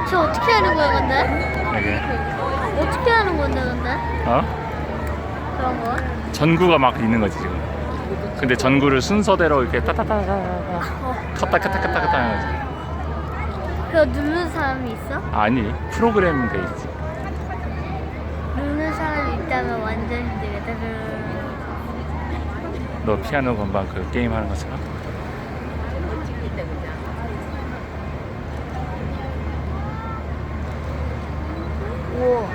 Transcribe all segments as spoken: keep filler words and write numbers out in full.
저 어떻게 하는 거야 근데? 이게 어떻게 하는 건데 근데? 어? 그런 거? 전구가 막 있는 거지 지금. 근데 전구를 순서대로 이렇게 따따따따따 켰다 켰다 켰다 켰다 하는 거지. 그거 누르는 사람이 있어? 아니 프로그램 돼 있지. 누르는 사람이 있다면 완전 힘들겠다. 너 피아노 건반 그 게임 하는 것처럼. 오.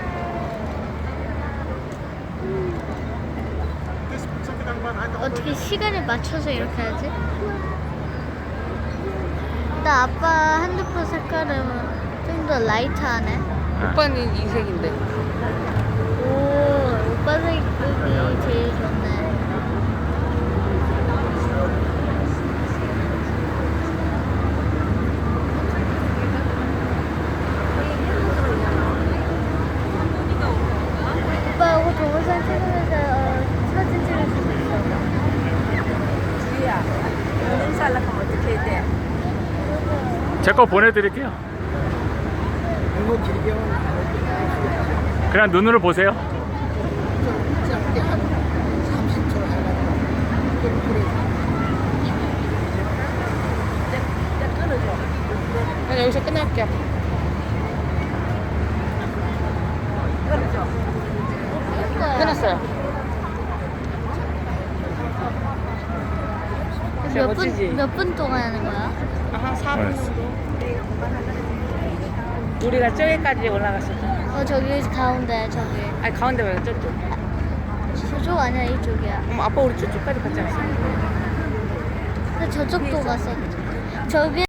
어떻게 시간을 맞춰서 이렇게 하지? 나 아빠 핸드폰 색깔은 좀 더 라이트하네. 오빠는 이 색인데. 오, 오빠 색깔이 제일 좋네. 오빠 이거 동영상 찍으면서 어, 사진 찍을 수도 있어. 주희야, 오늘 살락하면 어떻게 해야 돼? 제 거 보내드릴게요. 이거 길게 하면 그냥 눈으로 보세요. 짧게 한 삼십 초 해가지고 끓여. 난 여기서 끝낼게. 끝났어요. 진짜 몇 멋지지? 분, 몇 분 동안 하는 거야? 한 사 분 알았어. 정도. 우리가 저기까지 올라갔어. 어, 저기 가운데, 저기. 아니 가운데 말고 저쪽. 저쪽 아니야, 이쪽이야. 엄마 아빠 우리 저쪽까지 갔지 않았어? 근데 저쪽도 갔어. 저기